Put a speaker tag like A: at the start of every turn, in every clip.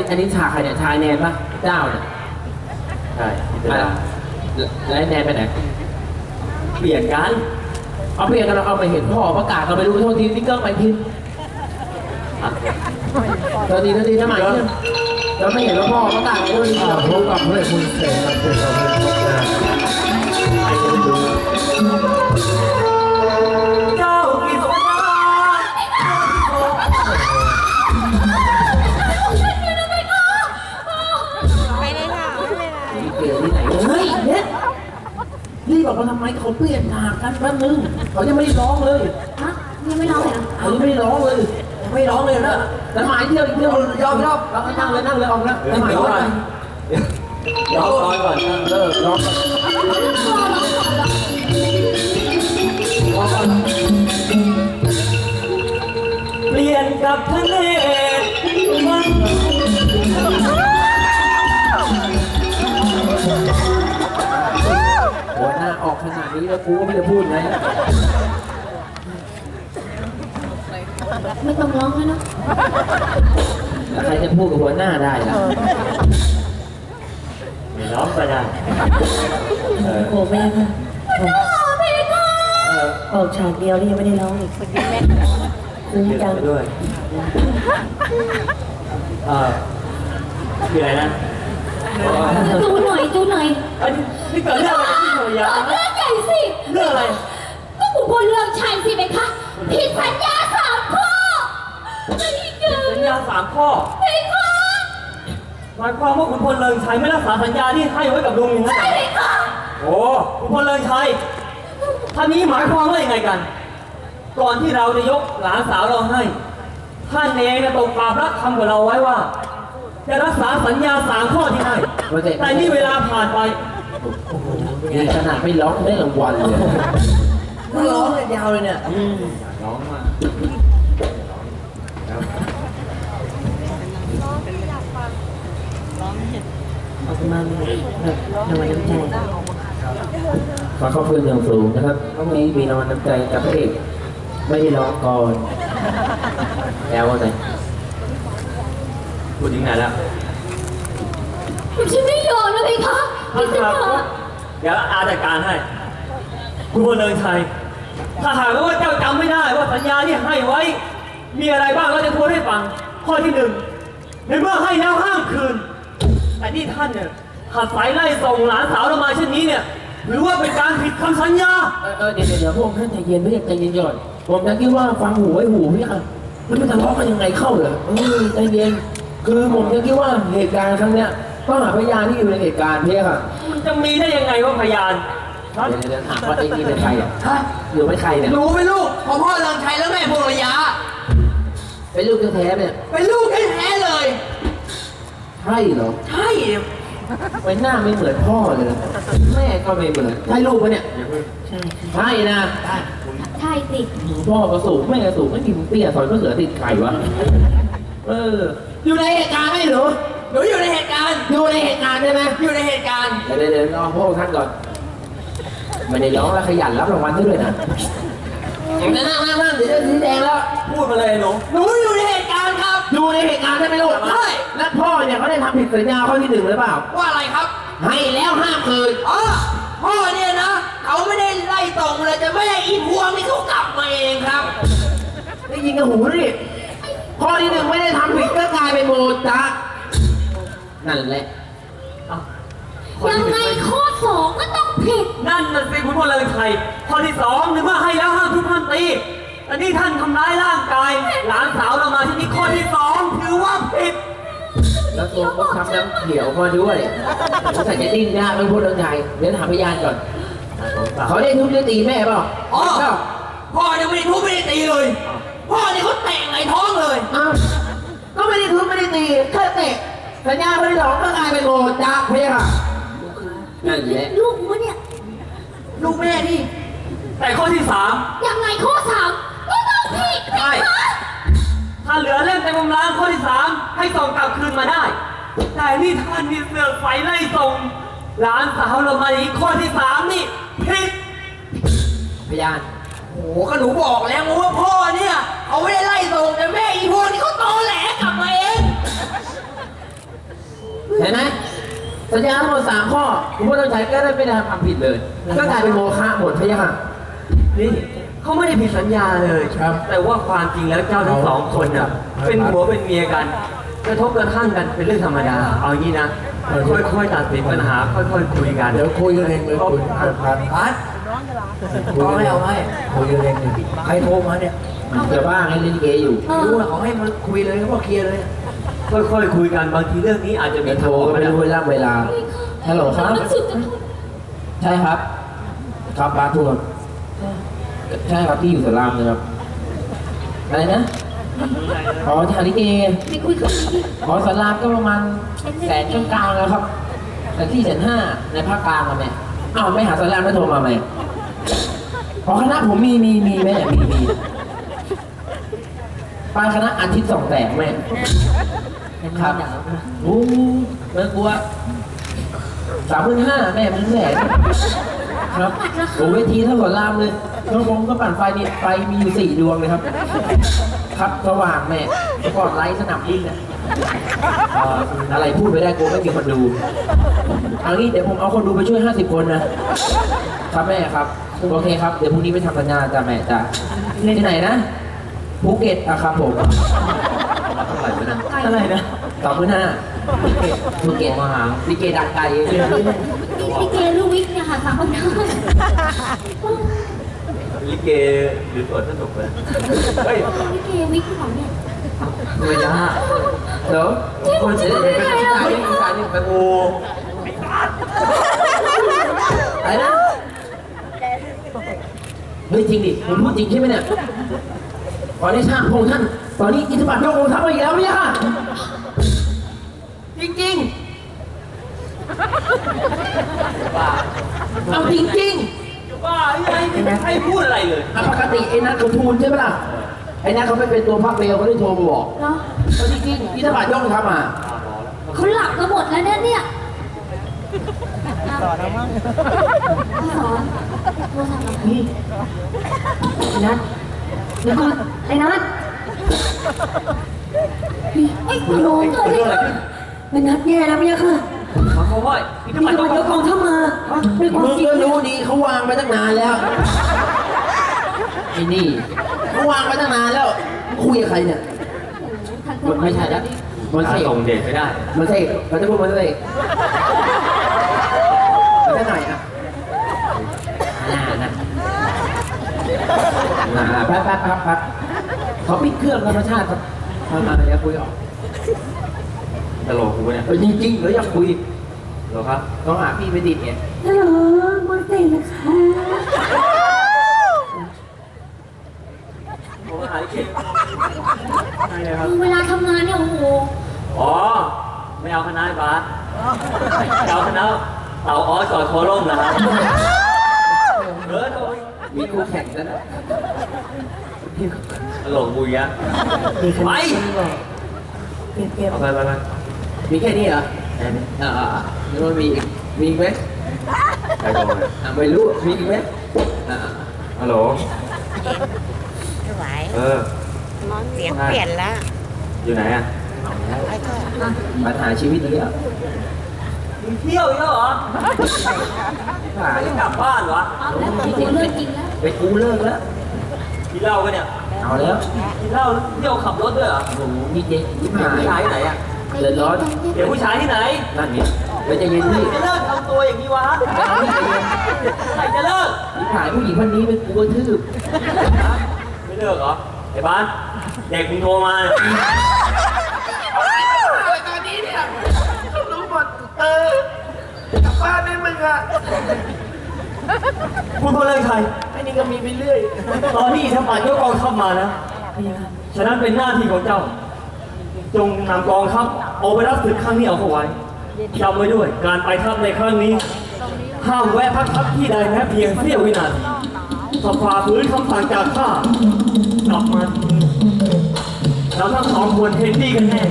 A: อันนี้ฉากใครเนี่ยชายแนนปะเจ้าเนี่ย
B: ใช่
A: แล้วแนนไปไหน
B: เปลี่ยนกัน
A: เอาเปลี่ยนกันเราเอาไปเห็นพ่อประกาศเราไปดูโทษทีนี่เกิ้งไปพิมพ์โทษทีทำไมเนี่ยเราไม่เห็นว่าพ่อประกาศไปด้วย
C: พบกับพระคุณเสนาเป็นเรา
B: เจ้ากิษณา
D: ไปเลยค่ะไม่เป็นไร
A: เปลี่ยนที่ไหนเฮ้ยเนี่ยรีบบอกมาทำไมเขาเปลี่ยนฉากกันแป๊บนึงเขายังไม่ได้ร้องเลย
D: ฮะยังไม่ร้องเลยเหรอ
A: เขายังไม่ได้ร้องเลยไม่ร้องเลยนะแต่หมายเที่ยวอีกเที่ยวยอมเรานั่งเลยออกแล้วแต่หมายก่อน
B: ร้องก่อน
A: ร้องก่อน
B: เปลี่ยนกับทะเลมัน
A: หัวหน้าออกขนาดนี้แล้วกูก็ไม่ได้พูดไง
D: ไม่ต้องร้องแล้วนะ
A: แล้วใครจะพูดกับหัวหน้าได้ล่ะ
B: ไม่ร้องก็ได้
E: โอ้แม่ค่ะออกฉากเดียวนี่ยังไม่ได้ร้องอีกซึ้งจัง
B: ด้วยคืออะไรนะ
D: ดูหน่อย
B: นี่เกิดเรื่องอะไรที่หน่วยยา
D: เรื่องใหญ่สิ
B: เรื่องอะไร
D: ก็ขุนพลเรืองชัยสิไหมคะผิดสัญญา3 ข้อไม่เกิน
B: สัญญา3 ข้อ
D: ไม่ค่ะ
B: หมายความว่าขุนพลเริงชัยไม่รักษาสัญญาที่ให้ไว้กับลุงอย่างนั้น
D: ใช่ไหมคะ
B: โอ้ขุนพลเริงชัยท่านนี้หมายความว่ายังไงกัน ก่อนที่เราจะยกหลานสาวเราให้ท่านเองนะตกปากรับคำกับเราไว้ว่า จะรักษาสัญญา3 ข้อที่ให้แต่นี่เวลาผ่านไป
A: นี่ขนาดไม่ร้องได้รางวัลเลย
E: ก็ร้องเลยยาวเลยเนี่ย
A: ร้องมา
E: ออกมาเลยรางวัลน้ำใจ
A: ขอขอบคุณอย่างสูงนะครับวันนี้มีรางวัลน้ำใจจากพระเอกไม่ได้ร้องก่อนแล้วว่าไง
B: พูดถึงไหนแล้ว
D: ฉันไม่ยอมนะพี่คะพี่สัญญา
B: เดี๋ยวอาจัดการให้คุณพลเริงชัยถ้าหากว่าเจ้าจำไม่ได้ว่าสัญญาที่ให้ไว้ มีอะไรบ้างเราจะทวนให้ฟัง ข้อที่ 1ในเมื่อให้แล้วห้ามคืน แต่ที่ท่านเนี่ยขัดสายไล่ส่งหลานสาวเรามาเช่นนี้เนี่ยหรือว่าเป็นการผิดคำสัญญา
A: เดี๋ยวพวกท่านใจเย็นไม่ใจเย็นก่อนผมจะคิดว่าฟังหูไว้หูพี่อ่ะมันจะทะเลาะกันยังไงเข้าเหรอใจเย็นคือผมจะคิดว่าเหตุการณ์ครั้งเนี้ยต้องหาพยานที่อยู่ในเหตุการณ์พี่ค่ะ
B: มันจะมีได้ยังไงว่าพยานครับ
A: เดี๋ยวถามว่าไอ้นี่เป็นใครอ่ะหรือไม่ใครเนี่ย
E: หนูเป็นลูกของพ่อเรืองชัยและแม่พงระยะ
A: เป็นลูกแท้ๆเนี่ย
E: เป็นลูกแท้ๆเลย
A: ใช่เหรอ
E: ใช่
A: ไว้หน้าไม่เหมือนพ่อเลยแม่ก็ไม่เหมือนใช่ลูกปะเนี่ย
E: ใช่
A: ใช่นะ
D: ใช่สิ
A: พ่อก็สูงแม่ก็สูงไม่กินเตี้ยซอยก็เหลือติดไข่วะอยู่ในเหตุการณ์ไหมหนู
E: หนูอยู่ในเหตุการณ์
A: อยู่ในเหตุการณ์ใช่ไหม
E: อยู่ในเหตุการณ์
A: เดี๋ยวรอพวกท่านก่อนไม่ได้ร้องแล้วขยันรับรางวัลด้วยนะนั่งเดี๋ยวจะชี้แจงแล้ว
B: พูดมาเลยหนู
E: หนูอยู่ในเหตุการณ์ครับ
A: อยู่ในเหตุการณ์ใช่ไหมลูก
E: ใช่
A: และพ่อเนี่ยเขาได้ทำผิดสัญญาข้อที่ 1หรือเปล่า
E: ว่าอะไรครับ
A: ให้แล้วห้ามคืน
E: อ๋อพ่อเนี่ยนะเขาไม่ได้ไล่ส่งเลยแต่แม่อีพวงนี่เขากลับมาเองครับ
A: ได้ยินกับหูดิข้อที่ 1ไม่ได้ทำผิดก็กลายเป็นโมจ๊ะนั่นแหละ
D: ยังไงข้อ 2 ก็ต้องผิด
B: นั่นน่ะสิคุณพลเริงชัยข้อที่ 2ในเมื่อให้แล้วห้ามทุกท่านตีแต่นี่ท่านทำร้ายร่างกายหลานสาวเรามาที่นี่ข้อที่ 2ถือว่าผิด
A: แล้วตัวก็ทำน้ำเขียวมาด้วยสงสัยจะดิ้นยากไม่พูดเรื่องใหญ่เดี๋ยวถามพยานก่อนเขาได้ทุบได้ตีแม่เปล่า
E: อ๋อพ่อเนี่ยไม่ได้ทุบไม่ได้ตีเลย พ่อเนี่ยเขาเตะไงท้องเลย
A: อ้าวก็ไม่ได้ทุบไม่ได้ตีแค่เตะสัญญาข้อที่ 2ก็กลายเป็นโมจ๊ะเพี้ยค่ะนั่นแหละ
D: ลูกวะเนี่ย
E: ลูกแม่นี่
B: แต่ข้อที่ 3
D: ยังไงข้อ 3 ก็ต้องผิด
B: ใช่ถ้าเหลือเล่มเต็มกำลังข้อที่ 3ให้ส่งกลับคืนมาได้ แต่นี่ท่านมีเสือกไฟไล่ส่งหลานสาวเรามาอีกข้อที่ 3นี่ผิด
A: พยาน
E: โอ้โหก็หนูบอกแล้วว่าพ่อเนี่ยเขาไม่ได้ไล่ส่งแต่แม่อีพวงนี่เขาตอแหลกลับมาเอง
A: เห็นไหมสัญญาทั้งหมด3 ข้อคุณผู้ต้องใช้ก็ได้ไม่ได้ทำผิดเลย ก็กลายเป็นโมฆะหมดพะยะค่ะ
B: นี่เขาไม่ได้ผิดสัญญาเลย
C: ครับ
B: แต่ว่าความจริงแล้วเจ้าทั้งสองคนน่ะเป็นผัวเป็นเมียกันกระทบกระทั่งกันเป็นเรื่องธรรมดา เอางี้นะค่อยๆตัดสินปัญหาค่อยๆคุยกัน
C: เดี๋ยวคุยกันเองเลยคุณพัน
E: พัดเอาให้เอาให้
C: คุยกันเองเลย
E: ใครโทรมาเนี่ย
A: เดี๋ยวบ้างให้ลิเกอยู่
E: รู้นะเขาให้มาคุยเลยเขาบอกเคลียร์เลย
B: ค่อยๆคุยกันบางทีเรื่องนี้อาจจะมี
A: เดี๋ยวโทรก็ไม่รู้เวลาฮัลโหลครับ
D: มันสุดจะทน
A: ใช่ครับ ครับบาทัวร์ใช่ครับที่อยู่สารามเลยครับ อะไรนะ อ๋อที่หาลิเก
D: ไปคุยกับพี่
A: อ๋อสารามก็ประมาณแสนกลางๆแล้วครับ แต่ที่150,000ในภาคกลางอะแม่อ้าวไม่หาสารามไม่โทรมาไหมอ๋อคณะผมมีแม่มีไปคณะอาทิตย์2 แตกแม่ครับโอ้ไม่กลัว35,000แม่มันแสนครับโอ้เวทีเท่ากับรามเลยน้องผมก็ปั่นไฟนี่ไฟมีอยู่4 ดวงเลยครับ ครับสว่างแม่แล้วก็ไลท์สนามบินเนี่ยอะไรพูดไปได้กลัวไม่มีคนดูเอางี้เดี๋ยวผมเอาคนดูไปช่วย50 คนนะครับแม่ครับโอเคครับเดี๋ยวพรุ่งนี้ไปทำสัญญาจ้ะแม่จ้ะที่ไหนนะภูเก็ตอะครับผม
B: เท่าไหร่วะนะ
A: อะไรนะ25,000ภูเก็ตมาหาลิเกดังไกล
D: พี่เกลูกวิกเนี่ยค่ะ3 คนนั้น
B: ลิเกหรือสวดสนุกเลยเฮ้ย
D: พี่เกวิกของเนี่ย
B: ไม่ได้
A: เดี๋ยวคนจะได้ไปการนี่ไปโอ้อะไรนะเฮ้ยจริงดิผมพูดจริงใช่ไหมเนี่ยขอได้ช่างพงท่านตอนนี้อิทธิบาทยกองทัพมาอีกแล้วเนี่ยค่ะจริงๆเอาจริงๆ
B: บ้าไอ้ไม่ให้พูดอะไรเลย
A: ปกติไอ้นัทเขาทูลใช่ไหมล่ะ ไอ้นัทเขาไม่เป็นตัวพักเบลเขาได้โทรมาบอก
D: เนาะ
A: เอาจริงๆที่ทบาทย่องทำมา
D: เขาหลับกันหมดแล้วเนี่ยสอนแล้วมั้งสอนโทรศัพท์เราพี่นัทแล้วก็ไอ้นัทพี่ไอ้ยโหเกิดอะไรขึ้นไอ้นัทแย่แล้วเนี่ยค่ะ
B: มาเขาว่าอิทธิ
D: มี
B: บาท
D: ตำรวจยกกองทัพมาด้วยความ
A: มึง
D: จริง
A: ก็รู้ดีเขาวางไปตั้งนานแล้ว ไอ้นี่เขาวางไปตั้งนานแล้ว คุยกับใครเนี่ย มันไม่ใช่แล้วมัน
B: ถ้า
A: เสก
B: ส่งเดชไม่ได้
A: มันเสกมันจะพูดมันเสกมันจะไหนอ่ะแป๊บเขาปิดเครื่องธรรมชาติครับมาอย่าคุยออก
B: ตลกกูเนี่ย
A: จริงๆเดี๋ยวอยากคุย
B: เหรอครับ
A: ต้องหาพี่ไปติดเนี่ย
D: ฮัลโหลมอนเต้นะคะ
B: ผมหายเก่งใช่เลยครับ
D: คือเวลาทำงานเนี่ยโอ้โห
B: อ๋อ ไม่เอาคณะบาสเอาคณะเต่าอ้อจอดโคล่มนะครับเออโดย
A: มีคู่แข่งแล้วนะ
B: ตลกกูยะไปเอาไป
A: มีแค่นี้เหรอ
B: แค่นี้
A: แล้วมันมีอีกไหม
B: ใครโดน
A: ไม่รู้มีอีกไหม
B: ฮัลโหล
F: ไม่ไหว
B: เออ
F: เสียงเปลี่ยนแล้ว
B: อยู่ไหนอ่ะ
F: แล้วก็
A: ปัญหาชีวิตนี้อ่ะ
B: มึงเที่ยวอีกแล้วเหรอ
A: หาย
B: ไม่กลับบ้านวะ
D: เอาแล้วกูเลิกจริงแล้ว
A: ไปกูเลิกแล้ว
B: กินเหล้ากันเนี่ย
A: เอาแล้ว
B: กินเหล้าเที่ยวขับรถด้วยเหรอ
A: โอ้โหนี่เจ๊ที่
B: เดี๋ยว
A: หา
B: ผู้ชาย
A: ย
B: ที่ไหนอ่ะ
A: เดือดร้อน
B: เดี๋ยวผู้ชายที่ไหน
A: นั่นไงไปใจเย็นพี่
B: จะเลิกทำตัวอย่างนี้วะ
A: ไปเอาพี่ใจเย็น
B: ใครจะเลิก
A: ที่หายผู้หญิงคนนี้เป็นกูกระทืบ
B: ไม่เลิกเหรอไอ้บ้านเด็กมึงโทรมา
A: ตอนนี้เนี่ยเขารู้หมดกลับบ้านได้มึงอ่ะ
B: คุณพลเรือนชัย
A: ไอ้นี่ก็มีไปเรื่อย
B: ตอนนี้ทำปัดยกกองทัพมานะฉะนั้นเป็นหน้าที่ของเจ้า จงนำกองทัพเอาไปรับศึกครั้งนี้เอาเข้าไว้จำไว้ด้วย การไปทัพในครั้งนี้ ห้ามแวะพักทัพที่ใดแม้เพียงเสี้ยววินาทีถ้าฝ่าฝืนคำสั่งจากข้ากลับมาเราทั้งสองคนเห็นดีกันแน่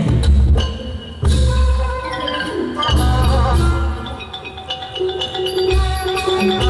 D: เ